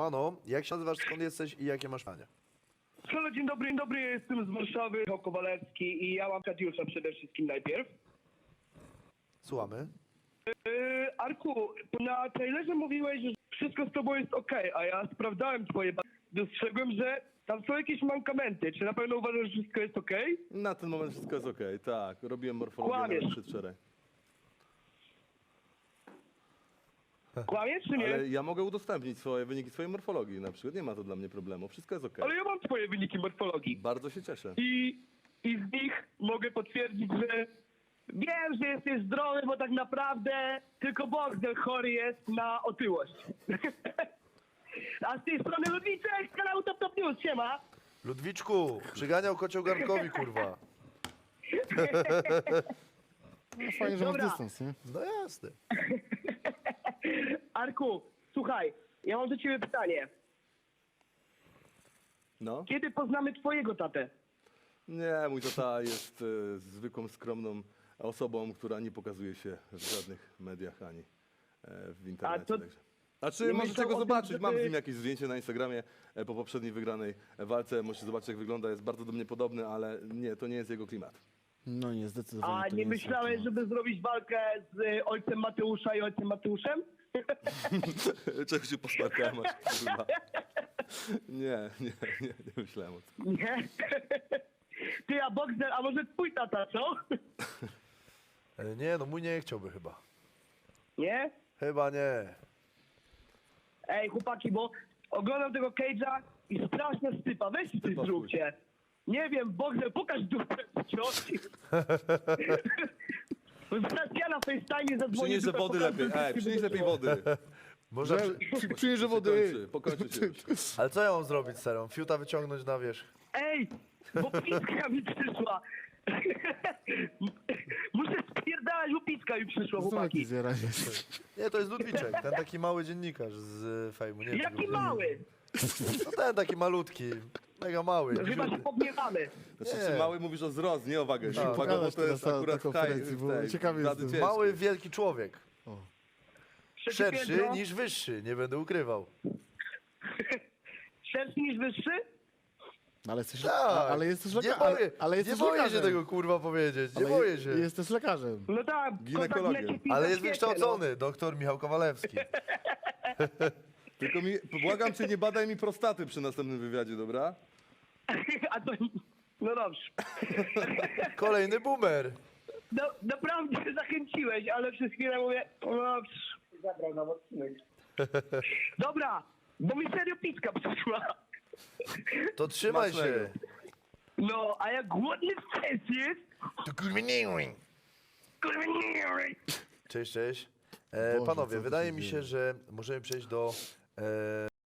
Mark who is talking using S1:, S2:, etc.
S1: Siemano, jak się nazywasz, skąd jesteś i jakie masz pytanie?
S2: Halo, dzień dobry, ja jestem z Warszawy, Michał Kowalewski i ja mam Katiusza przede wszystkim najpierw.
S1: Słuchamy.
S2: Arku, na trailerze mówiłeś, że wszystko z tobą jest okej, a ja sprawdzałem twoje dostrzegłem, że tam są jakieś mankamenty. Czy na pewno uważasz, że wszystko jest okej?
S3: Na ten moment wszystko jest okej, tak. Robiłem morfologię
S2: Kłamiesz.
S3: nawet przedwczoraj.
S2: Kłamiesz czy nie?
S3: Ale ja mogę udostępnić swoje wyniki swojej morfologii na przykład. Nie ma to dla mnie problemu. Wszystko jest okej.
S2: Ale ja mam twoje wyniki morfologii.
S3: Bardzo się cieszę.
S2: I z nich mogę potwierdzić, że wiem, że jesteś zdrowy, bo tak naprawdę tylko Bogdan chory jest na otyłość. A z tej strony Ludwiczek z kanału Top Top News, siema.
S1: Ludwiczku, przyganiał kocioł garnkowi, kurwa.
S4: No, fajnie, że masz
S2: Dobra.
S4: dystans, nie?
S1: No jasne.
S2: Arku, słuchaj, ja mam do ciebie pytanie.
S3: No?
S2: Kiedy poznamy twojego tatę?
S3: Nie, mój tata jest zwykłą, skromną osobą, która nie pokazuje się w żadnych mediach ani w internecie.
S2: A to-
S3: Także. A czy
S2: nie
S3: możecie
S2: myślał
S3: go
S2: o tym,
S3: zobaczyć? Mam z
S2: żeby-
S3: nim jakieś zdjęcie na Instagramie po poprzedniej wygranej walce. Możecie zobaczyć, jak wygląda. Jest bardzo do mnie podobny, ale nie, to nie jest jego klimat.
S4: No nie, zdecydowanie.
S2: A
S4: to
S2: nie
S4: jest
S2: myślałeś,
S4: taki-
S2: żeby zrobić walkę z ojcem Mateusza i ojcem Mateuszem?
S3: Czego się posmarkałem aż, kurwa. Nie myślałem o tym.
S2: Nie? Ty, a Boxer, a może twój tata, co?
S1: Nie, no mój nie chciałby chyba.
S2: Nie?
S1: Chyba nie.
S2: Ej, chłopaki, bo oglądam tego Cage'a i straszna stypa. Weźcie coś
S3: Stypa
S2: zróbcie. Nie wiem, Boxer, pokaż dupę cioci. Zaraz ja na FaceTime zadzwonię.
S3: Przynieś
S2: dupę
S3: wody
S2: pokażę,
S3: lepiej.
S2: żeby
S3: przynieś
S2: się
S3: lepiej
S2: było.
S3: wody.
S1: Można
S4: Przyjeżdżę wody.
S3: Pokończy się już.
S1: Ale co ja mam zrobić, serą? Fiuta wyciągnąć na wierzch.
S2: Ej, bo pizka mi przyszła. Muszę spierdalać, bo pizka mi przyszła,
S4: Znowu
S2: chłopaki.
S4: jakiś zjaranie.
S1: Nie, to jest Ludwiczek, ten taki mały dziennikarz z fejmu. Nie wiem, czy
S2: Jaki
S1: go-
S2: mały.
S1: No ten taki malutki, mega mały.
S2: Chyba się pogniewamy.
S3: Znaczy,
S1: Nie.
S3: czy mały mówisz o wzrost, nie o wagę.
S1: Tak.
S3: Waga, bo
S4: Pokażesz
S3: to jest
S4: teraz na
S3: akurat
S4: konferencji, bo ciekawie
S3: wady
S4: jestem.
S3: ciężkie.
S1: Mały, wielki człowiek.
S2: Trzecie
S1: Szerszy
S2: piętro.
S1: niż wyższy, nie będę ukrywał.
S2: Szerszy niż wyższy?
S4: Ale jesteś,
S1: Tak,
S4: ale jesteś
S1: nie
S4: lekarzem.
S1: boję,
S4: Ale
S1: nie
S4: jesteś
S1: boję się
S4: lekarzem.
S1: tego kurwa powiedzieć, nie
S4: Ale
S1: boję się.
S4: Jesteś lekarzem.
S2: No tak,
S3: Ginekologię.
S2: kontakt leci
S1: Ale
S2: w
S1: jest
S2: świecie,
S1: wykształcony, doktor Michał Kowalewski.
S3: Tylko błagam cię, nie badaj mi prostaty przy następnym wywiadzie, dobra?
S2: No. A to... No dobrze.
S1: Kolejny boomer.
S2: No, naprawdę zachęciłeś, ale przez chwilę mówię... No dobrze. Zabrał nam odcinek. Dobra, bo mi serio pizka przyszła.
S1: To trzymaj się.
S3: Smacznego.
S2: No, a jak głodny stres jest...
S1: To kurwa nie wiem.
S2: Kurwa nie.
S1: Cześć, cześć.
S4: Boże, co
S1: Panowie,
S4: tu
S1: wydaje
S4: się
S1: mi
S4: dzieje?
S1: się, że możemy przejść do